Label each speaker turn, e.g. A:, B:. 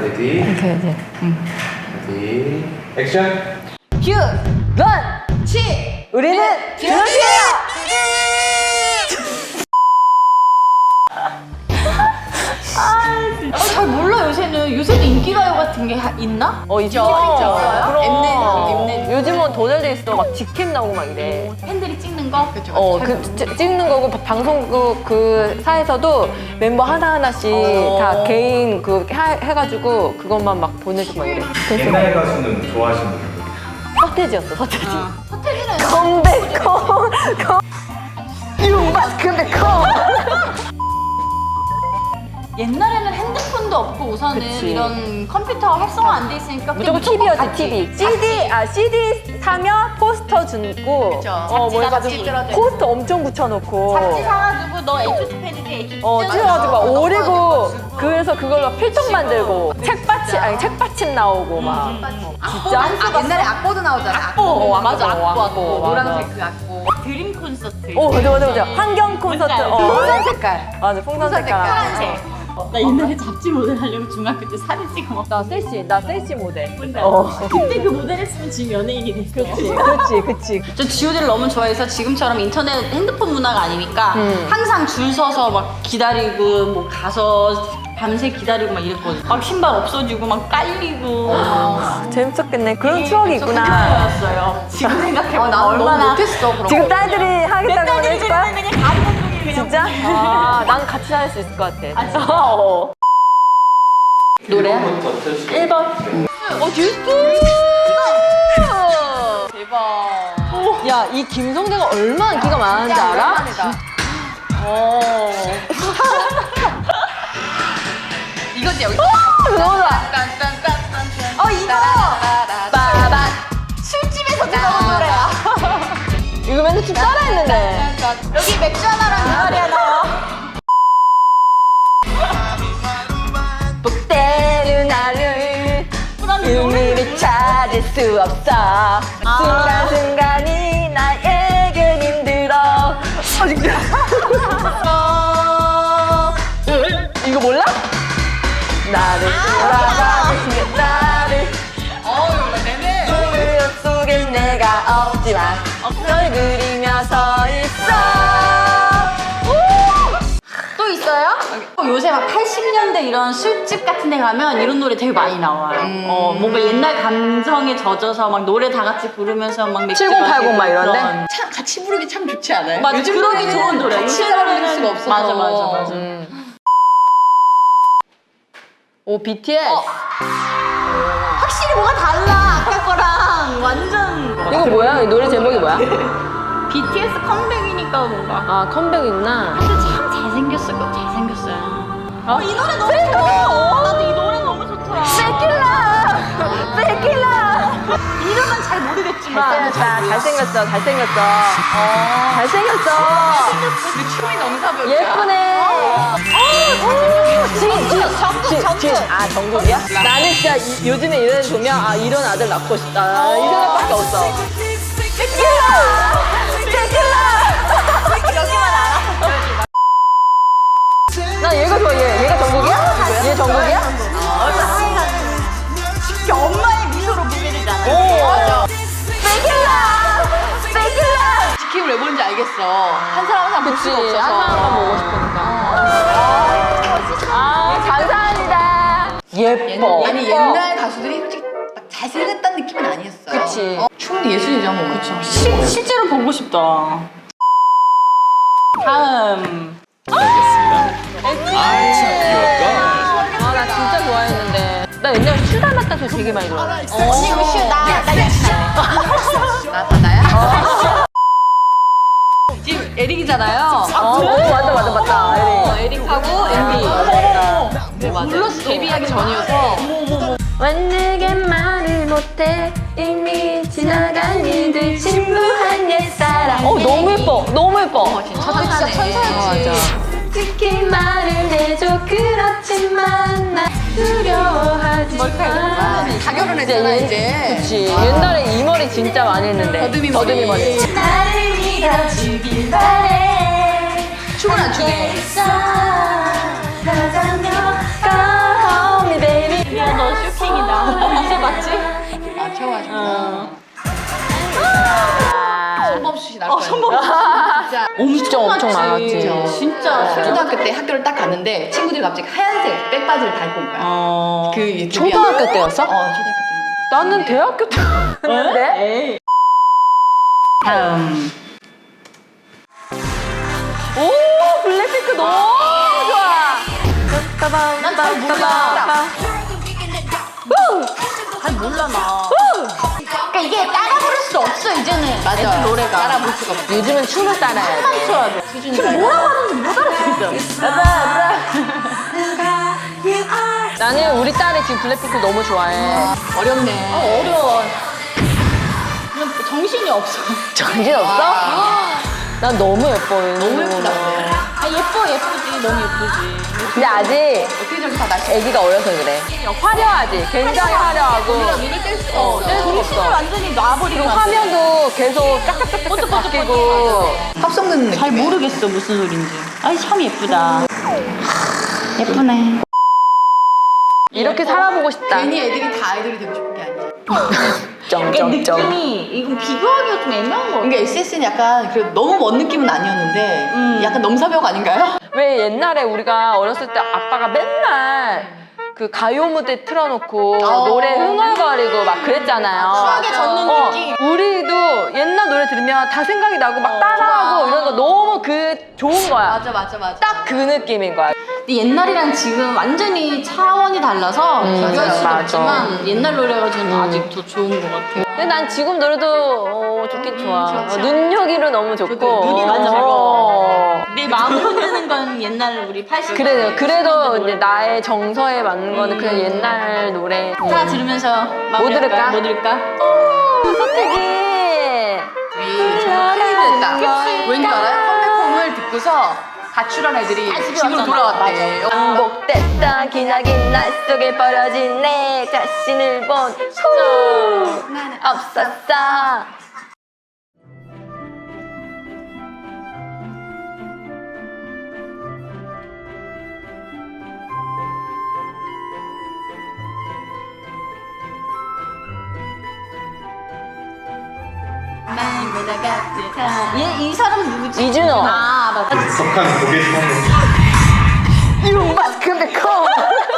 A: 레디.
B: 오케이.
A: 레디. 액션.
B: 큐! 런! 치! 우리는 드럼이에요!
C: 잘 몰라 요새는. 요새도 인기가요 같은 게 있나?
B: 있죠.
C: 있어요?
B: 엠넷. 요즘은 더 잘 돼 있어. 막 직캠 나오고 막 이래.
C: 팬들이 찍는 거? 그쵸.
B: 찍는 거고 방송국 그 사에서도 mem버 하나하나씩 다 개인 해가지고 그것만 막 보내주고 막 이래.
A: 옛날 가수는 좋아하시는 분?
B: 서태지였어, 서태지.
C: 서태지는
B: 컴백홈 윤밭 컴백홈.
C: 옛날에는 핸드폰도 없고 우선은
B: 그치.
C: 이런 컴퓨터 활성화 안 돼 있으니까
B: 무조건 TV였지, TV. CD 사면 포스터 주고.
C: 그쵸.
B: 뭐
C: 잡지다가
B: 해가지고
C: 찌그러져
B: 포스터 엄청 붙여놓고.
C: 잡지 사가지고 너 H2 팬이지 H2
B: 찢어가지고 막 오리고 그래서 그걸로 필통 만들고 책받침 나오고 막. 진짜?
D: 옛날에 악보도 나오잖아.
C: 악보. 맞아, 악보.
B: 맞아.
C: 노란색 그 악보. 드림 콘서트.
B: 맞아. 환경 콘서트.
D: 풍선 색깔.
B: 맞아, 풍선 색깔.
C: 파란색. 나 옛날에 잡지 모델 하려고 중학교 때 사진 찍어 먹었어.
B: 나 셀시 모델.
C: 그때 그 모델 했으면 지금 연예인이 됐어.
B: 그치.
C: 저 G.O.D를 너무 좋아해서 지금처럼 인터넷 핸드폰 문화가 아니니까 항상 줄 서서 막 기다리고 뭐 가서 밤새 기다리고 막 이랬거든. 막 신발 없어지고 막 깔리고.
B: 재밌었겠네. 그런 추억이 있구나.
C: 였어요. 지금 생각해보면
D: 나는
C: 얼마나
D: 너무 못했어. 그런
B: 지금
D: 거.
B: 딸들이 하겠다고 해줄 거야?
C: 그냥 감동적이 그냥.
B: 진짜? 난 같이 할 수 있을 것 같아. 노래야?
A: 1번부터 틀어주시고.
B: 1번. 듀스!
C: 대박.
B: 야, 이 김성대가 얼마나 인기가 많은지 알아?
D: 이거지 여기.
B: 너무 좋아.
D: 이거.
B: 빠밤.
C: 술집에서 들어온 노래야.
B: 이거 맨날 춤 따라했는데.
C: 여기 맥주 하나랑 대가리 하나요.
B: 복대는 나를 의미를 찾을 수 없어. 순간순간이 나에겐 힘들어. 이거 몰라? 나를 돌아가는 나를 그 속엔 내가 없지만 널 그리며 서 있어.
C: 또 있어요? 요새 막 80년대 이런 술집 같은 데 가면 이런 노래 되게 많이 나와요. 뭔가 옛날 감성에 젖어서 막 노래 다 같이 부르면서 막 맥주
B: 7080
C: 마시고
B: 막 이런데?
C: 그런.
D: 참 같이 부르기 참 좋지 않아요?
C: 맞아,
D: 요즘
C: 그러기
D: 노래는
C: 좋은 노래.
D: 같이
C: 요즘
D: 부를
C: 노래는
D: 수가 없어서.
C: 맞아.
B: 오, BTS.
C: 확실히 뭐가 달라. 아까 거랑 완전.
B: 이거 뭐야? 이 노래 제목이 뭐야?
C: BTS 컴백이니까 뭔가.
B: 아, 컴백이구나.
C: 근데 참 잘생겼어요. 이 노래 너무
B: 페이커!
C: 좋아. 나도 이 노래 너무 좋더라.
B: 베킬라!
C: 이름은 잘 모르겠지만.
B: 잘생겼어.
D: 근데 춤이 너무 사벽이야.
B: 예쁘네. 정국이야? 나는 진짜 요즘에 이런 애 보면 이런 아들 낳고 싶다. 이 생각밖에 없어.
C: 여기만 알아.
B: 나 얘가 좋아, 얘가 정국이야? 얘 정국이야?
C: 엄마의 미소로 보게 되잖아.
D: 맞아.
B: 베킬라!
D: 지킴을 왜 보는지 알겠어. 한 사람 한 사람 볼 수가
B: 그치,
D: 없어서.
B: 한 사람만 보고 싶으니까. 감사합니다. 예뻐.
D: 아니 옛날 가수들이 솔직히 막 잘생겼다는 느낌은 아니었어.
B: 그치.
D: 춤 예술이죠 뭐. 그쵸.
C: 실제로 보고 싶다. 다음.
B: 나 진짜 좋아했는데. 나 옛날에 슈 닮았다는 소리 되게 많이 들었어.
C: 언니 이거 쉬 나 역시
D: 나야? 지금 에릭이잖아요.
B: 맞다.
D: 에릭하고 MB. 네 맞아.
C: 몰랐어.
D: 데뷔하기 전이어서.
B: 완내게 말을 못해 이미 지나간 이들 진부한 옛사람. 너무 예뻐.
D: 진짜 천사였지.
B: 특히 말을 해줘. 그렇지만 나 두려워하지 마.
D: 다 결혼했잖아 이제.
B: 그치. 옛날에 이 머리 진짜 많이 했는데.
D: 더듬이 머리.
B: 나를 믿어주길 바래.
D: 춤을 안 추네.
B: 사랑하며 Come home baby.
C: 너
D: 씨 나올 거야.
C: 손범
D: 진짜
B: 엄청 많았지.
C: 진짜.
D: 초등학교 때 학교를 딱 가는데 친구들이 갑자기 하얀색 백바지를 다 입고 온 거야. 그 유튜브야.
B: 초등학교 때였어?
D: 초등학교 때.
B: 나는 대학교 때였는데?
C: 에이. 다음.
B: 오 블랙핑크 너무 좋아.
C: 난 잘 몰라. 잘 몰라 나. 그러니까 이게 따라 부를 수 없어 이제는.
D: 맞아.
C: 애들 노래가.
D: 따라 볼 수가 없어.
B: 요즘은 춤을 따라야 돼.
C: 쳐야 돼.
D: 수준이가.
C: 뭐라고 하는지 못 알아듣겠어.
B: 나는 우리 딸이 지금 블랙핑크 너무 좋아해.
D: 어렵네.
C: 어려워. 그냥 정신이 없어.
B: 정신 없어? 난 너무 예뻐요.
D: 너무 예쁘다.
C: 아 예쁘지 너무 예쁘지.
B: 근데 아직
D: 어떻게 저렇게 다 날씨.
B: 애기가 어려서 그래. 화려하지. 굉장히 화려하고.
D: 눈을 뗄 수가 없어.
C: 정신을 완전히 놔버리고.
B: 그리고 화면도 계속 짝짝짝짝 바뀌고.
D: 합성 듣는 느낌.
C: 잘 모르겠어 무슨 소린지. 아이 참 예쁘다. 예쁘네.
B: 이렇게 살아보고 싶다.
D: 괜히 애들이 다 아이돌이 되고 싶은 게 아니야.
C: 이게
B: 점점점.
C: 느낌이 이건 비교하기가 좀 애매한 거 같아.
D: 그러니까 SS는 약간 그래도 너무 먼 느낌은 아니었는데 약간 넘사벽 아닌가요?
B: 왜 옛날에 우리가 어렸을 때 아빠가 맨날 그 가요 무대 틀어놓고 노래 흥얼거리고 막 그랬잖아요.
C: 추억에 젖는 느낌.
B: 우리도 옛날 노래 들으면 다 생각이 나고 막 따라하고
D: 좋아.
B: 이런 거 너무 그 좋은 거야.
D: 맞아.
B: 딱 그 느낌인 거야.
C: 근데 옛날이랑 지금 완전히 차원이 달라서 비교할 수는
B: 맞아.
C: 없지만 옛날 노래가 저는 아직 더 좋은 것 같아요.
B: 근데 난 지금 노래도 좋긴 좋아.
D: 좋죠.
B: 눈여기로 너무 좋고.
C: 눈이 너무
B: 어.
C: 내 마음을 흔드는 건 옛날 우리 80.
B: 그래도 이제 나의 정서에 맞는 거는 그냥 옛날 노래.
C: 다 들으면서
B: 뭐 들을까?
C: 뭐 들을까?
B: 선택이.
D: 우리 정말 큰일 됐다. 왠지 알아요? 컴백홈을 듣고서 가출한 애들이
C: 집에
D: 집으로
C: 왔잖아.
D: 돌아왔대.
B: 반복됐던 기나긴 날 속에 버려진 내 자신을 본 후 없었어.
C: 얘 이 사람 누구지?
B: 이준호.
C: 아 맞다.
A: 익숙한 고개 좀
B: You must come back home.